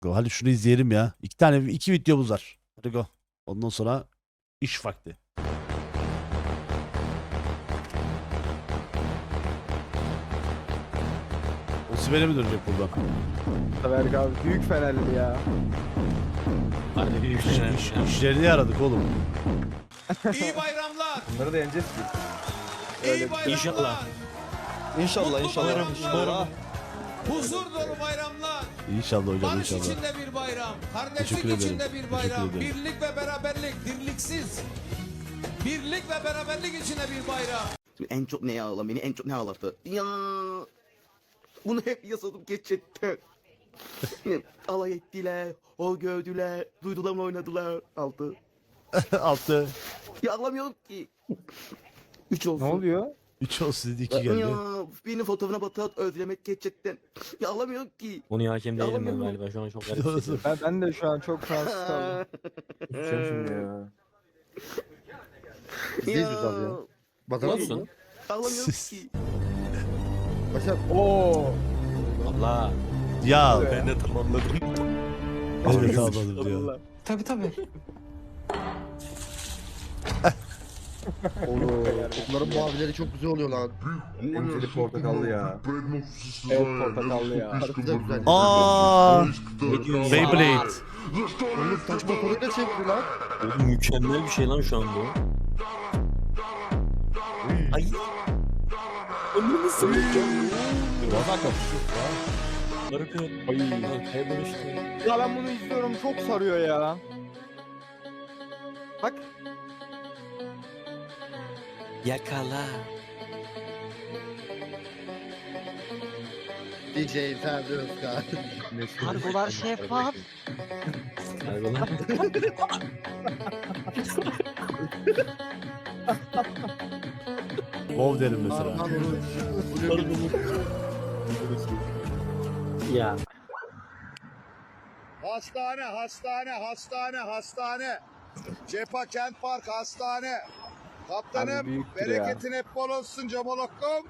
Go, hadi şunu izleyelim ya. İki videomuz var. Hadi go. Ondan sonra iş vakti. Osimhen'e mi dönecek buradan? Berk abi büyük Fenerli ya. Harbi büyük şey. İşlerini yaradık oğlum. İyi bayramlar. Bunları da yeneceğiz ki. İyi bayramlar. İnşallah. İnşallah inşallah. Umarım. Huzur dolu bayramlar. İnşallah hocam Barış inşallah. içinde bir bayram. Kardeşlik Teşekkür ederim. içinde bir Teşekkür bayram. ederim. Birlik ve beraberlik. Dirliksiz. Birlik ve beraberlik içinde bir bayram. En çok ne ağlar beni en çok ne ağlattı? Ya bunu hep yasadım geçecekti. Alay ettiler, o gördüler, duydular mı oynadılar altı. Altı. Ya ağlamıyorum ki. 3 olsun. Ne oluyor? 3 olsun dedi 2 geldi. Ya benim fotoğrafına batırat özlemek geçecekten. Ya ağlamıyorum ki. Bunu hakem değilim ben Yalan galiba. Şu an çok garip hissediyorum. Ben de şu an çok Fransız kaldım. Düşeceğim şimdi ya. Ya. Olsun. Ağlamıyorum ki. Oo. Allah. Ya Ben de tamamladım. evet anladım diyor. Tabii tabii. Bunların muhabileri çok güzel oluyor lan. Emzeli portakallı ya. Evet portakallı ya. Güzel güzel. Aa, Ne diyorsun? Beyblade. Oğlum taş motoruyla çeviriyor lan. Oğlum mükemmel bir şey lan şu an bu. Ay. Onu nasıl Arkaya dönüştü. Ya ben bunu izliyorum çok sarıyor ya. Bak. Yakala. DJ Ferdi Özkan. Kargolar şeffaf. Kargolar. Bov derim mesela. Ya. Hastane, hastane, hastane, hastane. Cepha Kent Park hastane. Abi Kaptanım, büyüktür ya. bereketin hep bol olsun Camolokkum.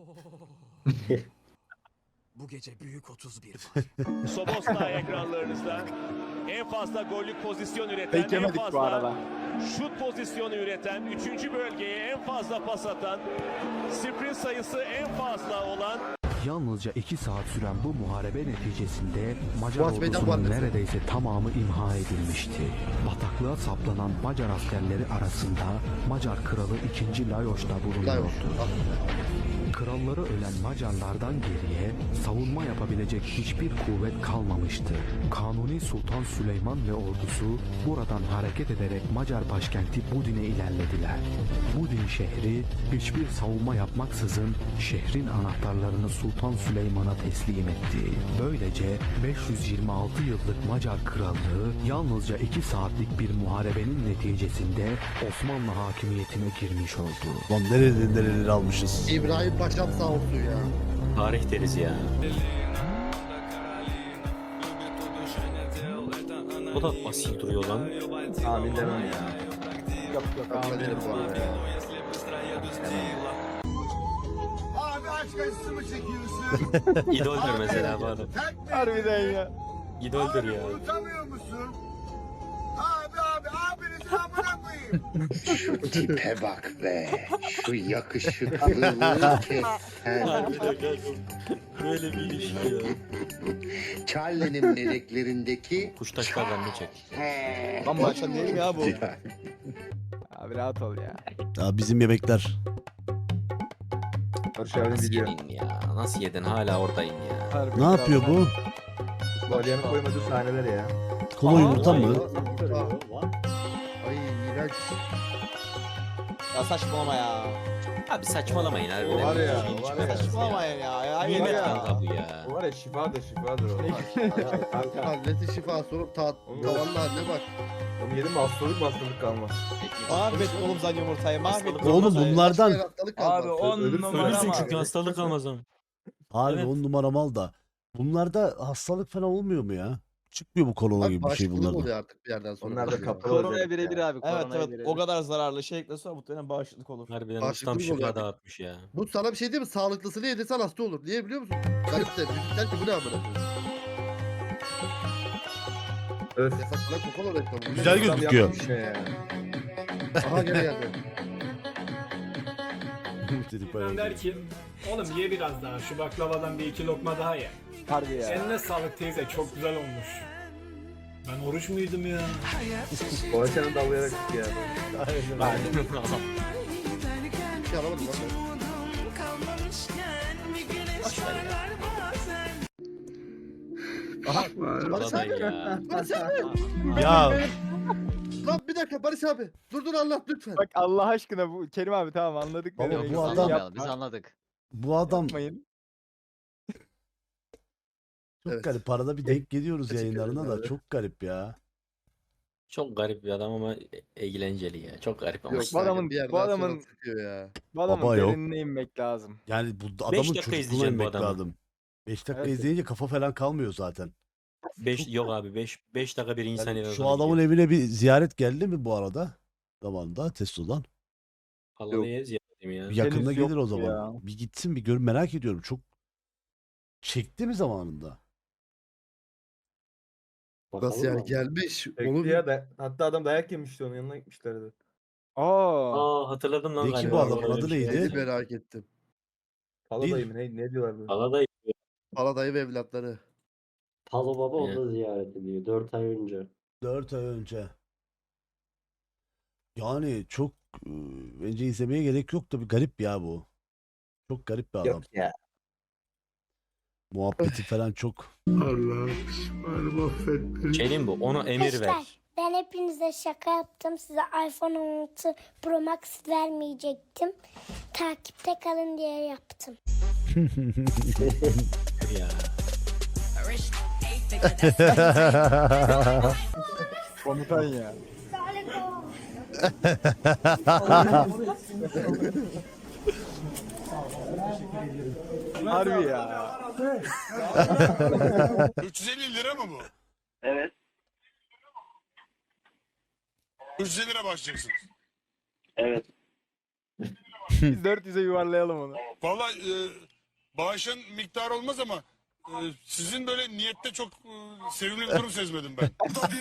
Bu gece büyük 31 var. Soboslay ekranlarınızda en fazla gollük pozisyon üreten, Pek en yemedik bu fazla arada. şut pozisyonu üreten, 3. bölgeye en fazla pas atan, sprint sayısı en fazla olan Yalnızca 2 saat süren bu muharebe neticesinde Macar Boğaz Meydan ordusunun Muharebesi. neredeyse tamamı imha edilmişti. Bataklığa saplanan Macar askerleri arasında Macar kralı 2. Lajos da bulunuyordu. Kralları ölen Macarlardan geriye savunma yapabilecek hiçbir kuvvet kalmamıştı. Kanuni Sultan Süleyman ve ordusu buradan hareket ederek Macar başkenti Budin'e ilerlediler. Budin şehri hiçbir savunma yapmaksızın şehrin anahtarlarını Sultan Süleyman'a teslim etti. Böylece 526 yıllık Macar krallığı yalnızca 2 saatlik bir muharebenin neticesinde Osmanlı hakimiyetine girmiş oldu. Lan nereleri almışız. İbrahim Paşam sağ olsun ya. Tarih deriz ya. O da asil duruyor lan. Amin demem ya. Yok yok Kabul amin ederim bu arada ya. Abi aşk acısı mı çekiyorsun? İdoldür mesela bu adam. Tek mi? Harbiden ya. İdoldür ya. Unutamıyor musun? Abi, abinizi amına koyayım. Şu tipe bak be. Şu yakışıklılığı kes sen. Harbiden kanka. Böyle bir ilişki ya. Charlie'nin meleklerindeki Kuştaşlardan ne çek? Lan baştan değil mi ya bu? Ya, Abi rahat ol ya. Ya bizim yemekler. Barış abinin Nasıl video. yedin ya? Nasıl yedin? Hala oradayım ya. Harbi Ne yapıyor bu? Balyanın koymadığı sahneler ya. Kola yumurta mı? Ay iğrenç. Ya saçmalama ya. Abi saçmalamayın harbiden. O var ya, Şeyin o var içine ya. taşın Saçmalamayın ya. Nimet ya. kanka bu ya. O var ya şifadır o. Kanka. Annesi şifa sorup tavanlı haline bak. Onu yedim mi hastalık kalmaz. Mahvettin oğlum sen yumurtayı. Mahvettin. Oğlum Başka bunlardan bir hastalık kalmaz. Ölürsün çünkü hastalık kalmaz ama. harbi Evet. 10 numara mal da. Bunlarda hastalık falan olmuyor mu ya? Çıkmıyor bu korona Bak gibi bir şey bağışıklık bunlarda. oluyor artık bir yerden sonra. Onlar da Bakıyor. kapalı Koronaya birebir abi. Evet Koronaya evet. birebir. O kadar zararlı şey ekle sonra muhtemelen bağışıklık olur. Harbiden Bağışıklık ustam oluyor şifa abi. dağıtmış ya. Bu sana bir şey değil mi? Sağlıklısını yedirsen hasta olur. Niye biliyor musun? Garip de. Bizden ki bu ne amına koyayım? Öf. Yasaklar Coca-Cola reklamı. Güzel Adam gözüküyor. yapmış ne ya? Aha gene geldi. Dedik bayağı. Der ki oğlum ye biraz daha şu baklavadan bir iki lokma daha ye. Harbi ya. Eline sağlık teyze çok güzel olmuş. Ben oruç muydum ya? Poğaçanı dallayarak gitti ya. Bir şey alamadım lan ben. Aha. Barış Vallahi abi. ya. Barış abi. Ya Lan bir dakika Barış abi. Dur Allah lütfen. Bak Allah aşkına bu Kerim abi tamam anladık. Baba, ne demek bu istediğini. adam- Yapma, Biz anladık. bu adam yapmayın. çok Evet. garip. Arada bir denk geliyoruz Teşekkür yayınlarına ederim da abi. çok garip ya. Çok garip bir adam ama eğlenceli ya. Çok garip ama. Yok bu adamın- bir yerden bu adamın- sonra sıkıyor ya. Bu adamın Baba yok. derinine inmek lazım. Yani bu adamın dakika çocukluğuna izleyeceğim bu inmek adamı. lazım. 5 dakika Evet. izleyince kafa falan kalmıyor zaten. 5 yok abi 5 dakika bir insan Yani en şu azından adamın gidiyor. evine bir ziyaret geldi mi bu arada? Zamanında Testo'dan. Vallahi ziyaretim ya. Bir yakında Henüz gelir o yoktu zaman. ya. Bir gitsin bir gör, merak ediyorum. Çok çekti mi zamanında? Nasıl yani gelmiş. Onu Bekli ya da hatta adam dayak yemişti onun yanına gitmişlerdi. Aa. Hatırladım lan Ne ki galiba. bu adamın Öyle adı bir şey. neydi? Neydi merak ettim. Pala dayı mı ne diyorlardı? Vallahi Paladayı ve evlatları. Palo Baba Evet. onu da ziyaret ediyor 4 ay önce. 4 ay önce. Yani çok bence izlemeye gerek yok da bir garip ya bu. Çok garip bir adam. Yok ya. Muhabbeti falan çok. Şey diyeyim bu. Ona emir ver. Ben hepinize şaka yaptım. Size iPhone 16 Pro Max vermeyecektim. Takipte kalın diye yaptım. Ya. Komutan ya. Harbi ya. 350 lira mı bu? Evet. 350 lira başlayacaksınız. Evet. Biz 400'e yuvarlayalım onu. Valla bağışın miktarı olmaz ama sizin böyle niyette çok sevimli bir durum sezmedim ben.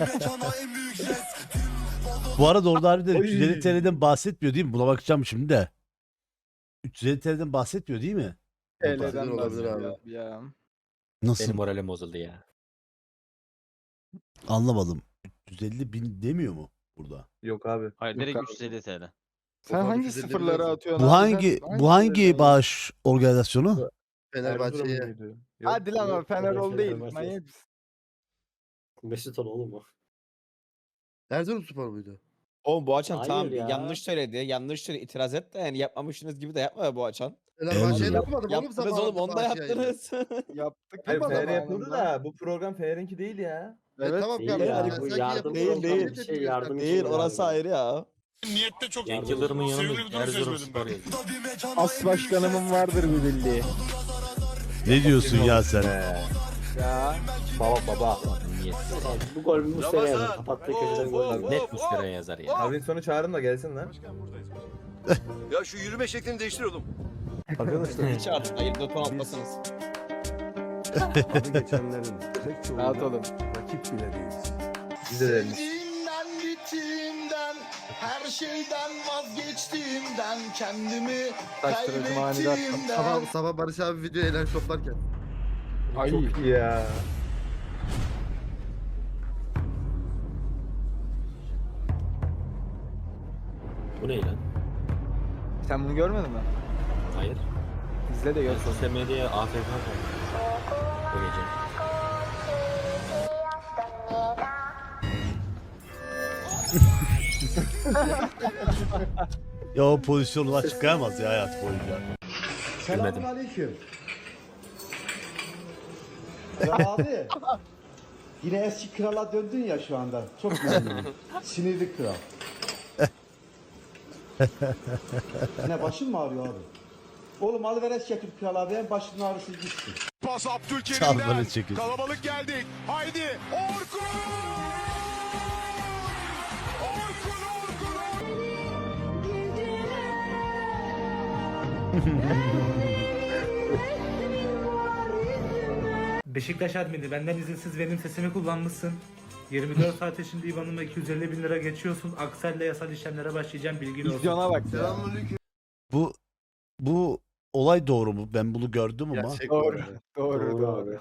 Bu arada orada harbiden 350 TL'den bahsetmiyor değil mi? Buna bakacağım şimdi de. 350 TL'den bahsetmiyor değil mi? TL'den olabilir bahsediyor abi. ya. Nasıl? Benim moralim bozuldu ya. Anlamadım. 350 bin demiyor mu burada? Yok abi. Hayır direkt 350 TL. Sen Ufak hangi 350 sıfırları biraz. atıyorsun Bu abi? hangi Sen bu hangi sıfırları- bağış organizasyonu? Fenerbahçe'ye. Erzurumluydu. Yok. Hadi lan o Fenerol değil. Fenerbahçe. Manyak mısın? Mesut ol oğlum o. Erzurum Spor muydu? Oğlum bu açan Hayır tamam ya. yanlış söyledi. Yanlış söyledi. İtiraz et de yani yapmamışsınız gibi de yapma ya bu açan. Fenerbahçe'ye Erzurum. yapmadım oğlum Yaptınız zamanında oğlum onu da bağış yayını. yaptınız. Yaptık. Hayır yapma Fener'e zamanında. yapıldı da bu program Fener'inki değil ya. Evet. Tamam Değil kardeşim. ya, ben bu sanki yardım yapıldı, değil, kabul değil. ettim Şey, gösterdim. yardım Değil orası ayrı ya. Niyette çok Cenk Yıldırım'ın sevimli yanında bir durum Erzurum sezmedim Spor ben. yazıyor. As başkanımın vardır bir bildiği. Ne diyorsun ya sen? Ya. Baba. Niyetsiz. Bu gol Muslera yazar. Kapattığı köşeden gol var. Net Muslera yazar ya. Abinin sonu çağırın da gelsin lan. Ya şu yürüme şeklini değiştir oğlum. Hiç artık hayır doton atmasınız. Rahat olun. Biz de değiliz. Gittiğimden, her şeyden vazgeçtiğimden, kendimi Taştırıcı manidar. Sabah Barış abi video eğlen toplarken. Ay. Çok iyi ya. Bu ne lan? Sen bunu görmedin mi? Hayır. İzle de gör. Sosyal medyaya AFK kaldı. Bu gece. Ya o pozisyonu açıklayamaz ya hayat boyunca. Gülmedim. Aleyküm. Ya abi. Yine eski krala döndün ya şu anda. Çok memnunum. Sinirli kral. Yine başın mı ağrıyor abi? Oğlum alıveres getir kral abi. En başının ağrısı gitsin. Pas Çal Abdülkerim'den. böyle çekin. Kalabalık geldik. Haydi Orkun! Beşiktaş admini benden izinsiz benim sesimi kullanmışsın. 24 saat içinde IBAN'ıma 250 bin lira geçiyorsun. Aksel'le yasal işlemlere başlayacağım, bilgin olsun. Vizyona bak. Bu olay doğru mu? Ben bunu gördüm ama. Gerçek Doğru. doğru. Doğru abi.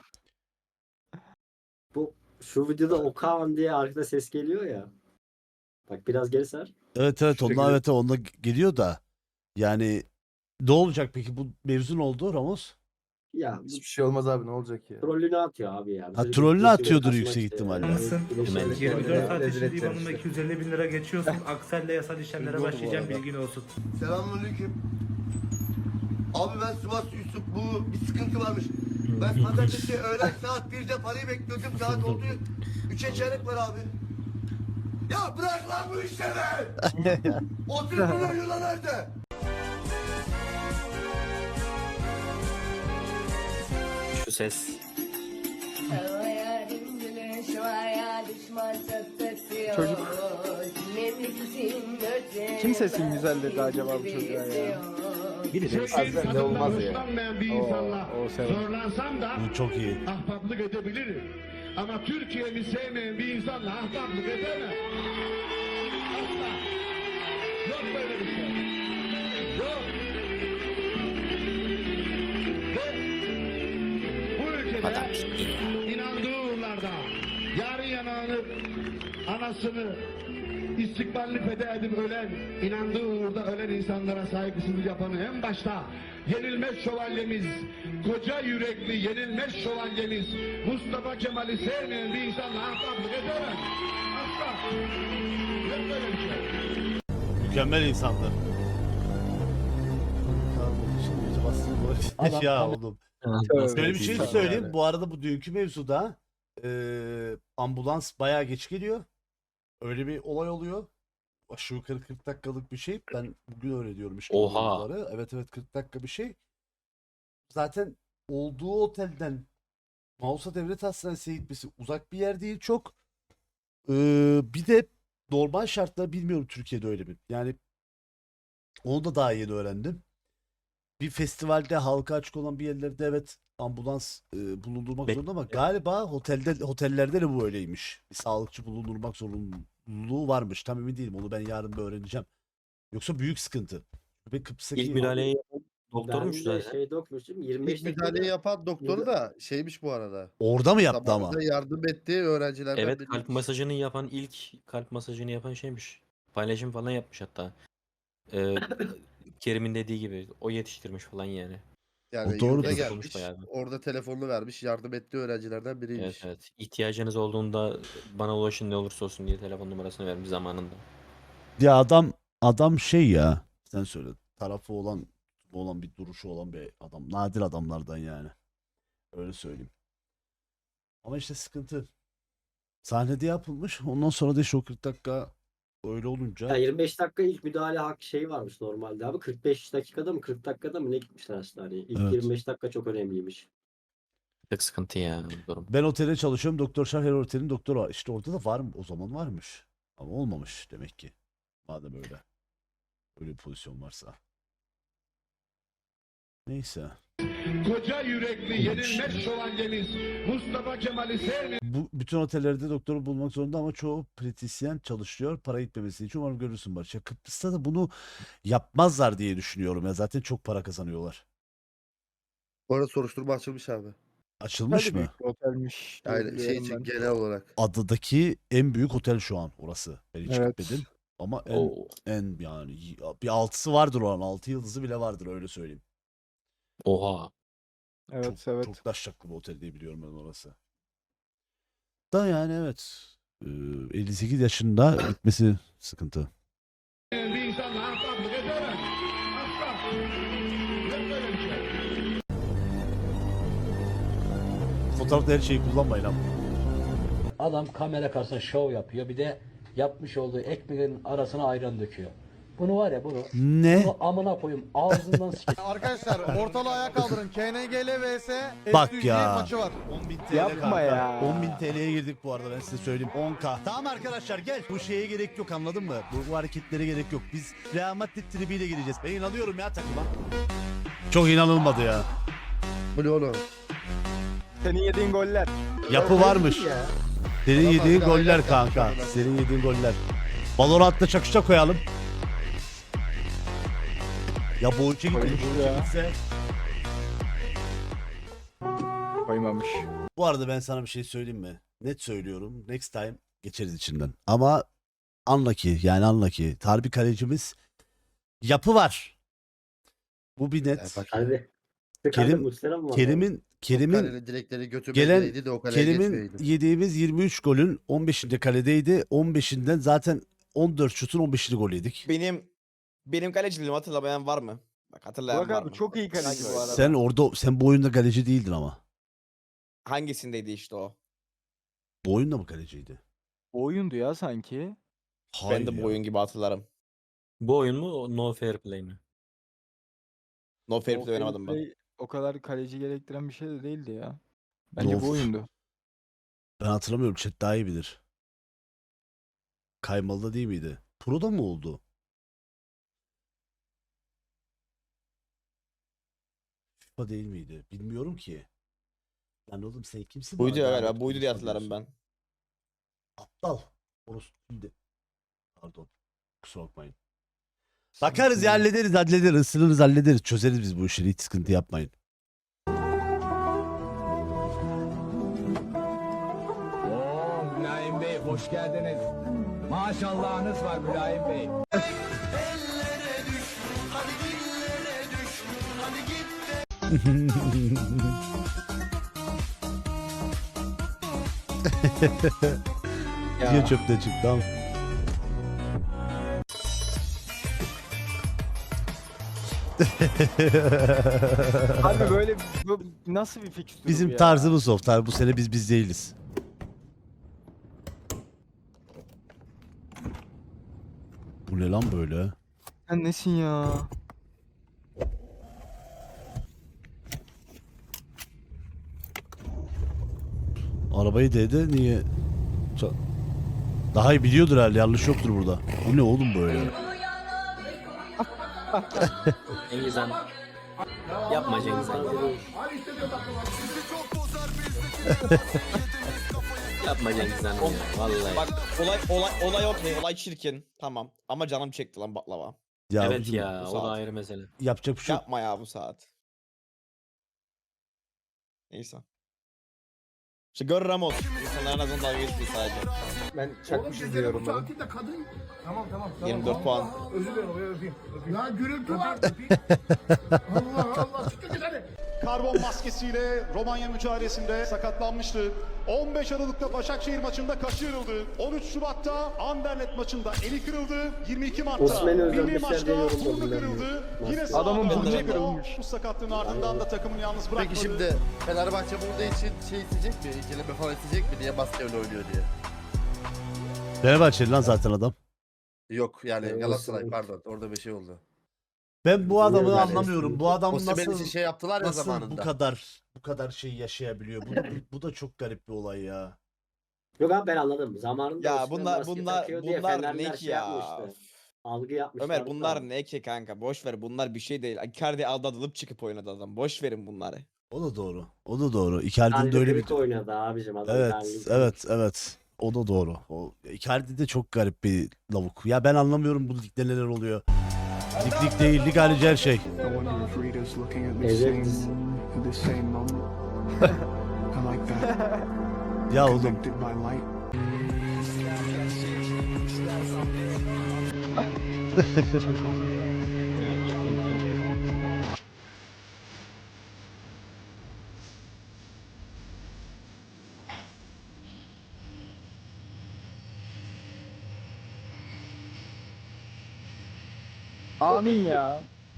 Bu şu videoda Okan diye arkada ses geliyor ya. Bak biraz geri sar. Evet Şu şekilde- onlar evet onda geliyor da. Yani ne olacak peki bu mevzu ne oldu Ramos? Ya Hiçbir şey olmaz abi, ne olacak ya? trollünü atıyor abi ya. Ha, Bizi trollünü kaçmak atıyordur işte. yüksek ihtimalle. Anlasın. Hemen. 24 saat Rezil içinde edeceksin IBAN'ıma işte. 250 bin lira geçiyorsun. Aksel'le yasal işlemlere Üzgün oldu bu başlayacağım, arada. bilgin olsun. Selamünaleyküm. Abi ben Sivas Yusuf, bu bir sıkıntı varmış. Ben pazartesi öğlen saat 1'de parayı bekliyordum, saat oldu 3'e çeyrek var abi. Ya bırak lan bu işleri! 30 milyon euro nerede? Şu ses. Çocuk. Kim sesin güzel dedi acaba bu çocuğa ya? Ne olmaz ya. O sever. Bu çok iyi. Ahbaplık edebilirim. Ama Türkiye'mi sevmeyen bir insanla ahbaplık edemem. Asla. Yok böyle bir şey. Yok. Ve bu Adam ülkede ciddi ya. inandığı uğurlarda yarı yanağını, anasını istikbalini feda edip ölen, inandığı uğurda ölen insanlara saygısızlık yapanı en başta yenilmez şövalyemiz, koca yürekli yenilmez şövalyemiz Mustafa Kemal'i sevmeyen bir insanla ahbaplık edemez. Asla. Yok böyle bir şey. Mükemmel insandı. Ya oğlum. Böyle bir şey İnsan söyleyeyim. yani. Bu arada bu dünkü mevzuda ambulans bayağı geç geliyor. Öyle bir olay oluyor. Aşağı yukarı 40 dakikalık bir şey. Ben bugün öyle diyorum işte. Oha. bunları. Evet 40 dakika bir şey. Zaten olduğu otelden Mausa Devlet Hastanesi'ne gitmesi uzak bir yer değil çok. Bir de normal şartlar bilmiyorum Türkiye'de öyle mi? Yani onu da daha yeni öğrendim. Bir festivalde halka açık olan bir yerlerde evet ambulans bulundurmak zorunda ama galiba otellerde de bu öyleymiş. Bir sağlıkçı bulundurmak zorunluluğu varmış. Tam emin değilim. Onu ben yarın bir öğreneceğim. Yoksa büyük sıkıntı. Ve Kıbrıs'taki İlk müdahaleyi yapan doktormuş Ben de zaten. şeyde okumuştum. 25 İlk müdahaleyi yapan doktoru da şeymiş bu arada. orada mı yaptı ama? Zamanında yardım ettiği öğrencilerden Evet, biriymiş. kalp masajını yapan ilk kalp masajını yapan şeymiş. Paylaşım falan yapmış hatta. Kerim'in dediği gibi o yetiştirmiş falan yani. Yani O doğru yurda da. gelmiş. Bayağı. Orada telefonunu vermiş. Yardım ettiği öğrencilerden biriymiş. Evet evet. İhtiyacınız olduğunda bana ulaşın ne olursa olsun diye telefon numarasını vermiş zamanında. Ya adam şey ya. Sen söyle. Tarafı olan bir duruşu olan bir adam. Nadir adamlardan yani. Öyle söyleyeyim. Ama işte sıkıntı. Sahnede yapılmış. Ondan sonra da işte o 40 dakika öyle olunca. Ya 25 dakika ilk müdahale hak şey varmış normalde abi. 45 dakikada mı 40 dakikada mı ne gitmişler hastaneye. İlk Evet. 25 dakika çok önemliymiş. Çok sıkıntı ya bu durum. Ben otelde çalışıyorum. Doktor Şah her otelin doktoru var. İşte orada da var mı? O zaman varmış. Ama olmamış demek ki. Madem öyle. Öyle bir pozisyon varsa. Neyse. Koca yürekli yenilmez şövalyemiz Mustafa Kemal'i sevmeyen Bu bütün otellerde doktoru bulmak zorunda ama çoğu pratisyen çalışıyor. Para gitmemesi için umarım görürsün Barış. Ya Kıbrıs'ta da bunu yapmazlar diye düşünüyorum ya. Zaten çok para kazanıyorlar. Bu arada soruşturma açılmış abi. Açılmış mı? Otelmiş. Yani şey için genel olarak. Adadaki en büyük otel şu an orası. Ben hiç Evet. gitmedim. Ama Oo. en yani bir 6'sı vardır oranın. 6 yıldızı bile vardır öyle söyleyeyim. Oha. Çok taşraklı bir otel diye biliyorum ben orası. Da yani evet. 58 yaşında gitmesi sıkıntı. bir insanla ahbaplık edemez. Asla. Yok böyle bir şey. Fotoğrafta her şeyi kullanmayın ama. Adam kamera karşısında şov yapıyor. Bir de yapmış olduğu ekmeğin arasına ayran döküyor. Bunu var ya bunu. Ne? Bunu amına koyayım ağzından sikeyim. Arkadaşlar ortalığı ayağa kaldırın. KNGL vs. Bak ya. maçı var. 10.000 TL Yapma kanka. ya. 10.000 TL'ye girdik bu arada ben size söyleyeyim. 10K. Tamam arkadaşlar gel. Bu şeye gerek yok anladın mı? Bu hareketlere gerek yok. Biz Real Madrid tribiyle gireceğiz. Ben inanıyorum ya takıma. Çok inanılmadı ya. Bu ne oğlum? Senin yediğin goller. Yapı varmış. Ya. Senin Adam yediğin hala goller ayak kanka. yapmış adam. Senin yediğin goller. Valorant'ta çakışa koyalım. Ya bu ülke gitse. Koymamış. Bu arada ben sana bir şey söyleyeyim mi? Net söylüyorum. Next time geçeriz içinden. Ama unlucky. Harbi kalecimiz yapı var. Bu bir net. Hadi. Kerim'in Kalenin direkleri götüme gelen gireydi de o kaleye Kerim'in geçmeyeydi. yediğimiz 23 golün 15'inde kaledeydi. 15'inden zaten 14 şutun 15'ini gol yedik. Benim kaleciliğimi hatırlamayan var mı? Bak hatırlayan Burak var abi mı? çok iyi kaleci bu arada. Sen bu oyunda kaleci değildin ama. Hangisindeydi işte o? Bu oyunda mı kaleciydi? O oyundu ya sanki. Ben de Hayır bu ya. oyun gibi hatırlarım. Bu oyun mu? O No Fair Play mi? No Fair O Play oynamadım ben. gameplay O kadar kaleci gerektiren bir şey de değildi ya. Bence Of. bu oyundu. Ben hatırlamıyorum. Chat daha iyi bilir. Kaymalı'da değil miydi? Pro'da mı oldu? FIFA değil miydi? Bilmiyorum ki. Lan oğlum sen kimsin? Buydu bana ya davet galiba. Buydu diye konusu hatırlarım alıyorsun? ben. Aptal. Orası şimdi. Pardon. Kusura bakmayın. Bakarız ya, hallederiz. Isınırız, hallederiz. Çözeriz biz bu işleri. Hiç sıkıntı yapmayın. Mülayim Bey hoş geldiniz. Maşallahınız var Mülayim Bey. Diye çöpte çıktı ama. Abi böyle bu nasıl bir fikstür Bizim bu ya? tarzımız o. Bu sene biz değiliz. Bu ne lan böyle? Sen nesin ya? Arabayı dedi niye? Daha iyi biliyordur herhalde. Yanlış yoktur burada. Bu ne oğlum böyle? Cengiz Han. Yapma Cengiz Han. Yapma Cengiz Han ya. Vallahi. Bak olay okey. Olay çirkin. Tamam. Ama canım çekti lan baklava. Ya Evet bizim ya. bu O da saat. ayrı mesele. yapacak bir şey yok. Yapma ya bu saat. Neyse. İşte gör Ramos. İnsanlar en azından dalga geçmiyor sadece. Ben çakmış izliyorum bunu. Tamam. 24 puan. Özür dilerim. Ya gürültü var. Allah çıktı git hadi. Karbon maskesiyle Romanya mücadelesinde sakatlanmıştı. 15 Aralık'ta Başakşehir maçında kaşı yarıldı. 13 Şubat'ta Anderlecht maçında eli kırıldı. 22 Mart'ta Osman'ı milli özenmişler diye maçta yorumladım burnu ben kırıldı. bunu. Yine Adamın sahada burnu kaldı. kırılmış. Bu sakatlığın ardından da takımını yalnız bırakmadı. Peki şimdi Fenerbahçe burada için şey isteyecek mi? İkileme falan isteyecek mi diye basketbol oynuyor diye. Fenerbahçeli lan zaten adam. Yok yani Evet, Galatasaray evet. pardon orada bir şey oldu. Ben bu adamı Yani anlamıyorum. Bu adam Osimhen nasıl için şey yaptılar ya nasıl zamanında. bu kadar şey yaşayabiliyor? Bu da çok garip bir olay ya. Yok abi ben anladım. Zamanında Ya Osman bunlar maske bunlar takıyor diye bunlar Fenerliler ne ki şey ya? yapmıştı. Algı yapmışlar. Ömer bunlar ne ki kanka? Boş ver bunlar bir şey değil. Icardi aldatılıp çıkıp oynadı adam. Boş verin bunları. O da doğru. O da doğru. Icardi'nin Yani de öyle bir... oynadı abicim adam. Evet. O da doğru. O Icardi de çok garip bir lavuk. Ya ben anlamıyorum bu ligde neler oluyor. Lig değil, lig harici her şey. Evet. Ya oğlum. Amin ya.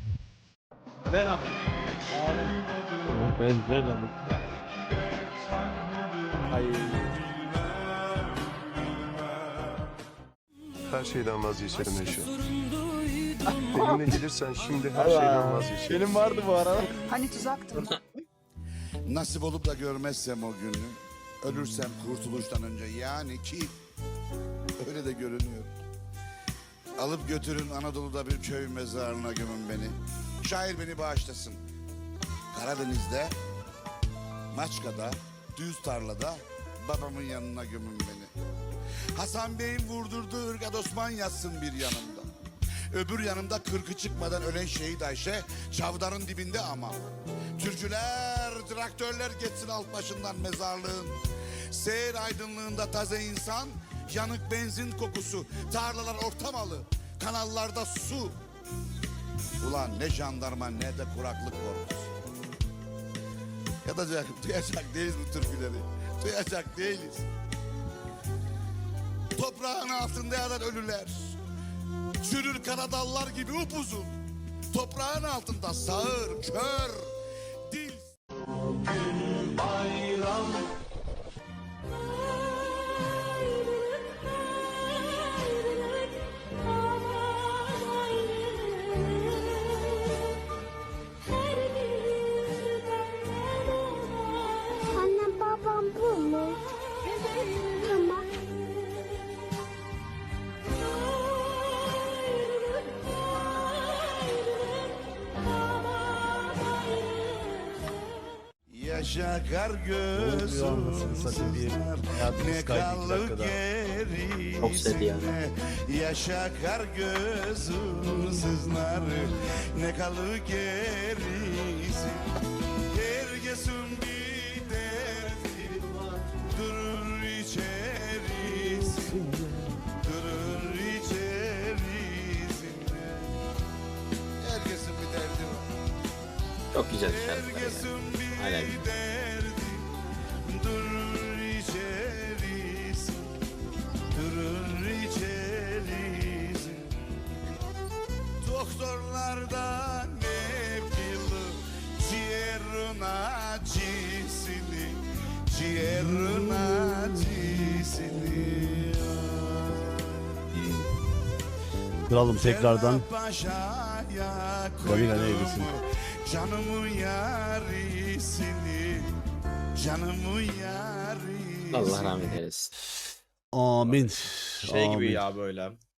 Her şeyden vazgeçerim Neşe. Benimle gelirsen şimdi her şeyden vazgeçerim. Benim vardı bu arada. Hani tuzaktı? Nasip olup da görmezsem o günü, ölürsem kurtuluştan önce yani ki öyle de görünüyor. Alıp götürün Anadolu'da bir köy mezarına gömün beni. Şair beni bağışlasın. Karadeniz'de, Maçka'da, düz tarlada babamın yanına gömün beni. Hasan Bey'in vurdurduğu ırgat Osman yatsın bir yanımda. Öbür yanımda kırkı çıkmadan ölen şehit Ayşe, çavdarın dibinde ama. Türküler, traktörler geçsin alt başından mezarlığın. Seyir aydınlığında taze insan, yanık benzin kokusu, tarlalar ortamalı, kanallarda su. Ulan ne jandarma ne de kuraklık korkusu. Duyacak değiliz bu türküleri. Duyacak değiliz. Toprağın altında yatan ölüler. Çürür karadallar gibi upuzun. Toprağın altında sağır, kör, dil. Bugün bayram. Annem babam bu mu? Tamam. Yaşa kar oluyor anasını satayım diye hayatımız ne kaydı 2 kalır dakikada. Çok sevdi ya. gerisine. Yaşa kar gözüm sızlar ne kalır gerisi. Herkesin bir derdi durur içerisinde. Durur içerisinde. Herkesin bir derdi var. Çok güzel şarkılar ya. Hala güzel. Durur içerisi, durur içerisi. Doktorlardan hep yılı ciğerin acısını, ciğerin acısını. Kralım tekrardan Paşa'ya Kamila ne eylesin? canımın yarisini, canımın yarisini. Allah rahmet eylesin. Amin. Şey gibi Amin. ya böyle.